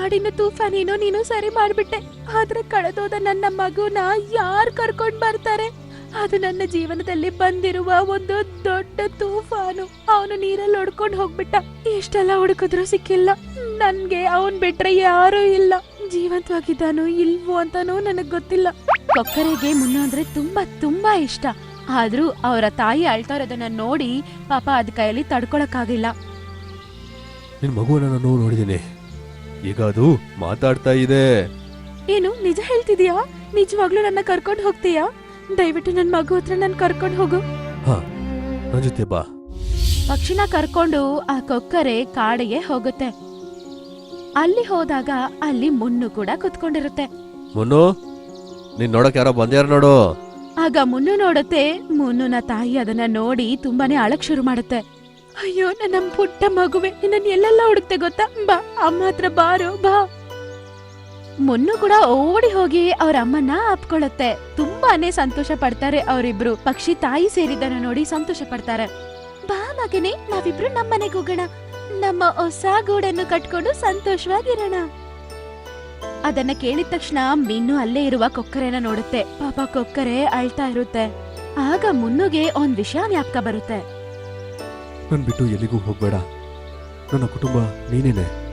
ಕಾಡಿನ ತೂಫಾನೇನೋ ನೀನು ಸರಿ ಮಾಡ್ಬಿಟ್ಟೆ. ಆದ್ರೆ ಕಳೆದೋದ ನನ್ನ ಮಗುನ ಯಾರ್ ಕರ್ಕೊಂಡ್ ಬರ್ತಾರೆ? ಅದು ನನ್ನ ಜೀವನದಲ್ಲಿ ಬಂದಿರುವ ಒಂದು ದೊಡ್ಡ ತೂಫಾನು. ಅವನು ನೀರಲ್ಲಿ ಹೊಡ್ಕೊಂಡ್ ಹೋಗ್ಬಿಟ್ಟ. ಎಷ್ಟೆಲ್ಲ ಹುಡುಕಿದ್ರು ಸಿಕ್ಕಿಲ್ಲ. ನನ್ಗೆ ಅವನ್ ಬಿಟ್ರೆ ಯಾರೂ ಇಲ್ಲ. ಜೀವಂತವಾಗಿದ್ದಾನೋ ಇಲ್ವೋ ಅಂತಾನೂ ನನಗ್ ಗೊತ್ತಿಲ್ಲ. ಕೊಕ್ಕರೆಗೆ ಮುನ್ನು ಅಂದ್ರೆ ತುಂಬಾ ತುಂಬಾ ಇಷ್ಟ. ಆದ್ರೂ ಅವರ ತಾಯಿ ಅಳ್ತಾ ಇರೋದನ್ನ ನೋಡಿ ಪಾಪ ಅದ್ ಕೈಯಲ್ಲಿ ತಡ್ಕೊಳಕ್ಕಾಗಿಲ್ಲ. ನಿನ್ ಮಗುವನ್ನ ನಾನು ನೋಡಿದೀನಿ, ಈಗ ಅದು ಮಾತಾಡ್ತಾ ಇದೆ. ಏನು ನಿಜ ಹೇಳ್ತಿದ್ಯಾ? ನಿಜವಾಗ್ಲೂ ನನ್ನ ಕರ್ಕೊಂಡ್ ಹೋಗ್ತೀಯಾ? ದಯವಿಟ್ಟು ನನ್ ಮಗು ಹತ್ರ ನನ್ ಕರ್ಕೊಂಡ್ ಹೋಗು. ಹಾ, ನನ್ ಜೊತೆ ಬಾ. ಪಕ್ಷಿನ ಕರ್ಕೊಂಡು ಆ ಕೊಕ್ಕರೆ ಕಾಡಿಗೆ ಹೋಗುತ್ತೆ. ಅಲ್ಲಿ ಹೋದಾಗ ಅಲ್ಲಿ ಮುನ್ನು ಕೂಡ ಕುತ್ಕೊಂಡಿರುತ್ತೆ. ಮುನ್ನು, ನೀನ್ ನೋಡಕ್ ಯಾರೋ ಬಂದ್ಯಾರ ನೋಡು. ಆಗ ಮುನ್ನು ನೋಡುತ್ತೆ. ಮುನ್ನುನ ತಾಯಿ ಅದನ್ನ ನೋಡಿ ತುಂಬಾನೇ ಅಳಕ್ ಶುರು ಮಾಡುತ್ತೆ. ಅಯ್ಯೋ ನನ್ನ ಪುಟ್ಟ ಮಗುವೆ, ನಿನ್ನ ಎಲ್ಲೆಲ್ಲ ಹುಡುಕ್ತೆ ಗೊತ್ತಾ? ಬಾ ಅಮ್ಮ ಹತ್ರ ಬಾರೋ ಬಾ. ಮುನ್ನು ಕೂಡ ಓಡಿ ಹೋಗಿ ಅವ್ರ ಅಮ್ಮನ್ನ ಅಪ್ಕೊಳ್ಳುತ್ತೆ. ತುಂಬಾನೇ ಸಂತೋಷ ಪಡ್ತಾರೆ ಅವರಿಬ್ರು. ಪಕ್ಷಿ ತಾಯಿ ಸೇರಿದ್ದನ್ನು ನೋಡಿ ಸಂತೋಷ ಪಡ್ತಾರೆ. ಬಾ ಮಗನೇ, ನಾವಿಬ್ರು ನಮ್ಮನೆಗೆ ಹೋಗೋಣ. ನಮ್ಮ ಹೊಸ ಗೂಡನ್ನು ಕಟ್ಕೊಂಡು ಸಂತೋಷವಾಗಿರೋಣ. ಅದನ್ನ ಕೇಳಿದ ತಕ್ಷಣ ಮೀನು ಅಲ್ಲೇ ಇರುವ ಕೊಕ್ಕರೆನ ನೋಡುತ್ತೆ. ಪಾಪ ಕೊಕ್ಕರೆ ಅಳ್ತಾ ಇರುತ್ತೆ. ಆಗ ಮುನ್ನುಗೆ ಒಂದ್ ವಿಷಯ ಜ್ಞಾಪಕ ಬರುತ್ತೆ. ನನ್ ಬಿಟ್ಟು ಎಲ್ಲಿಗೂ ಹೋಗ್ಬೇಡ, ನನ್ನ ಕುಟುಂಬ ನೀನೇನೆ.